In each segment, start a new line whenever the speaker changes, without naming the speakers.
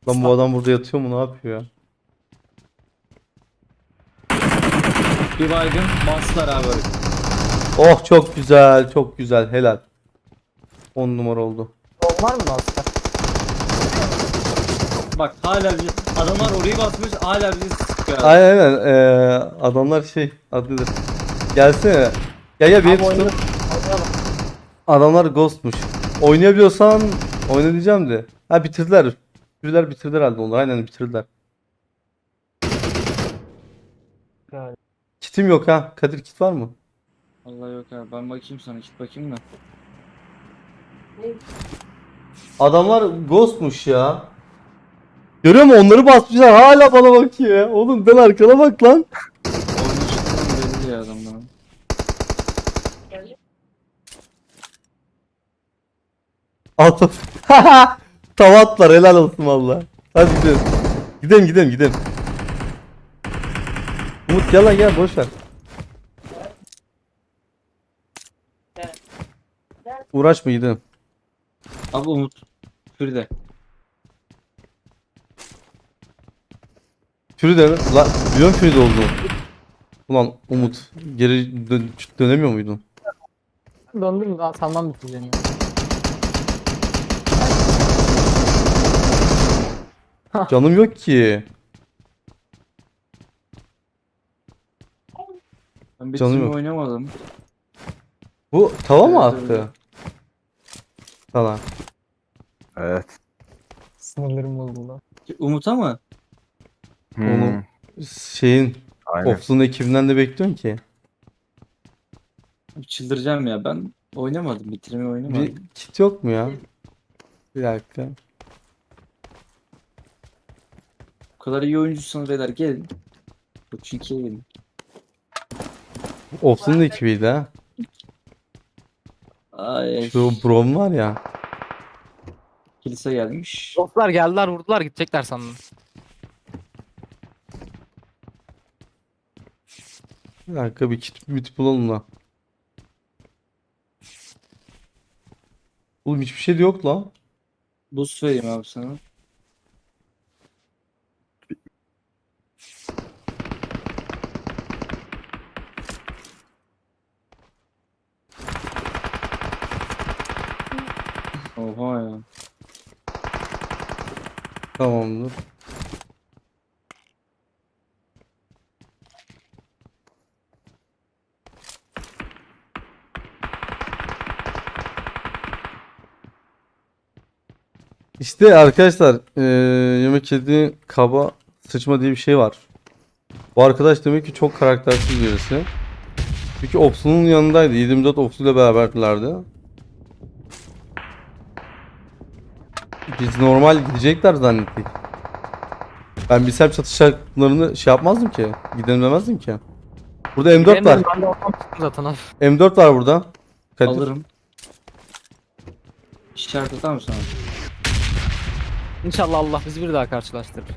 Lan bu adam burada yatıyor mu? Ne yapıyor ya?
Bir baygın bastılar abi.
Oh çok güzel. Çok güzel. Helal. 10 numara oldu.
Bom var mı Master?
Bak hala bir adamlar orayı basmış hala bizi sıkıyor. abi.
Aynen aynen. Adamlar şey adıdır. Gelsene. Gel bir
Abi
tutun.
oynayalım. Oynayalım.
Adamlar ghostmuş. Oynayabiliyorsan oyna diyeceğim de. Ha bitirdiler. Bitirdiler herhalde onlar. Aynen bitirdiler.
Yani.
Kitim yok ha. Kadir kit var mı?
Allah yok abi ben bakayım sana git bakayım da.
Adamlar ghostmuş ya. Görüyor musun? Onları basmışlar. Hala bana bakıyor ya. Oğlum ben arkana bak lan.
Oyunu çıktığım belli ya adamların.
Altı. Tavatlar helal olsun valla. Hadi gidelim. Gidelim. Umut gel lan gel boş ver. Uğraşma gidelim.
Abi Umut. Fride.
Fride mi? La biliyorum Fride olduğunu. Ulan Umut geri dönemiyor muydun?
Döndüm sanmam bitireceğim ya.
Canım yok ki.
Ben bir
Canım
türlü
yok.
oynamadım.
Bu tava mı
Evet, evet.
attı? Sana.
Evet.
Sinirlerim bozuldu.
Umut'a mı?
Onu şeyin
Aynen.
Oflu'nun ekibinden de bekliyorsun ki.
Çıldıracağım ya ben oynamadım bitirmeyi
Bir
oynamadım.
kit yok mu ya? Bir dakika.
Bu kadar iyi oyuncusunuz beyler gelin. Bu çünkü gelin.
Oflu'nun ekibiydi ha.
Ay
Şu Brom var ya.
kilise gelmiş.
Dostlar geldiler vurdular gidecekler sandım.
Bir dakika bir kit bulalım da. Oğlum hiçbir şey de yok lan.
Boost vereyim abi sana. Oha ya.
Tamamdır. İşte arkadaşlar yemek yediği kaba sıçma diye bir şey var. Bu arkadaş demek ki çok karaktersiz birisi. Çünkü Opsu'nun yanındaydı. 24 Opsu ile beraberdilerdi. Biz normal gidecekler zannettik. Ben bilsem çatışacaklarını şey yapmazdım ki. Gidelim demezdim ki. Burada M4 var.
Bilemiyorum, ben de ortam çıktım zaten abi.
M4 var burada. Kadir.
Alırım. İşaret atar mısın abi?
İnşallah Allah bizi bir daha karşılaştırır.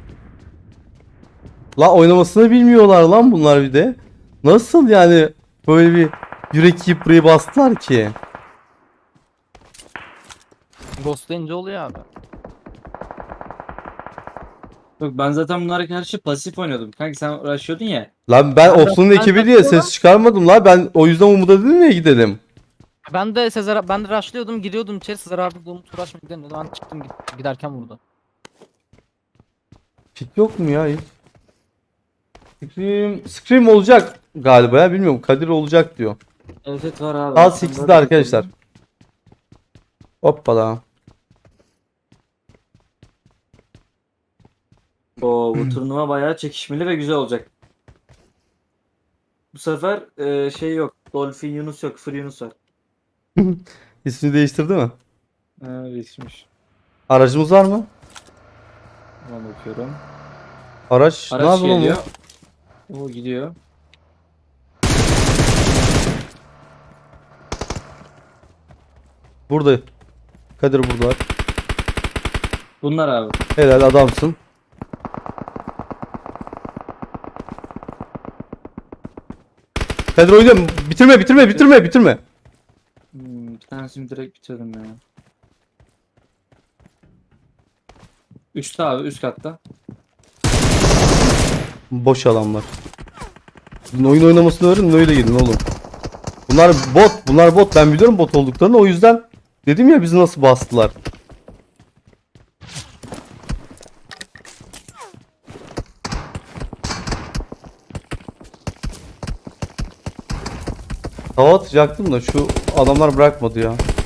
La oynamasını bilmiyorlar lan bunlar bir de. Nasıl yani böyle bir yürek yiyip burayı bastılar ki?
Ghostlayınca oluyor abi.
Yok ben zaten bunlara karşı pasif oynuyordum. Kanka sen uğraşıyordun ya.
Lan ben
Ben-
Opsun'un
ben
ekibi diye
bakıyorum.
ses çıkarmadım la. Ben o yüzden Umut'a dedim ya gidelim.
Ben de ben de rushlıyordum giriyordum içeri Sezer abi de Umut uğraşma gidelim dedi. Ben çıktım giderken vurdu.
Kit yok mu ya hiç? Scream olacak galiba ya bilmiyorum. Kadir olacak diyor.
Evet var abi.
Saat
Sen
8'de
zaten-
arkadaşlar. Hoppala.
Oo, bu turnuva bayağı çekişmeli ve güzel olacak. Bu sefer şey yok. Dolphin Yunus yok. Free Yunus var.
İsmini değiştirdi mi?
Değişmiş.
Aracımız var mı?
Ona bakıyorum.
Araç ne
Araç
yapıyor lan
geliyor.
bu?
O gidiyor.
Burada. Kadir burada.
Bunlar abi.
Helal adamsın. Kadir oynuyorum. Bitirme.
Bir tanesini direkt bitirdim ya. Üstte abi, üst katta.
Boş adamlar. Sizin oyun oynamasını öğrenin öyle gidin oğlum. Bunlar bot. Bunlar bot. Ben biliyorum bot olduklarını. O yüzden dedim ya bizi nasıl bastılar. Tava atacaktım da şu adamlar bırakmadı ya.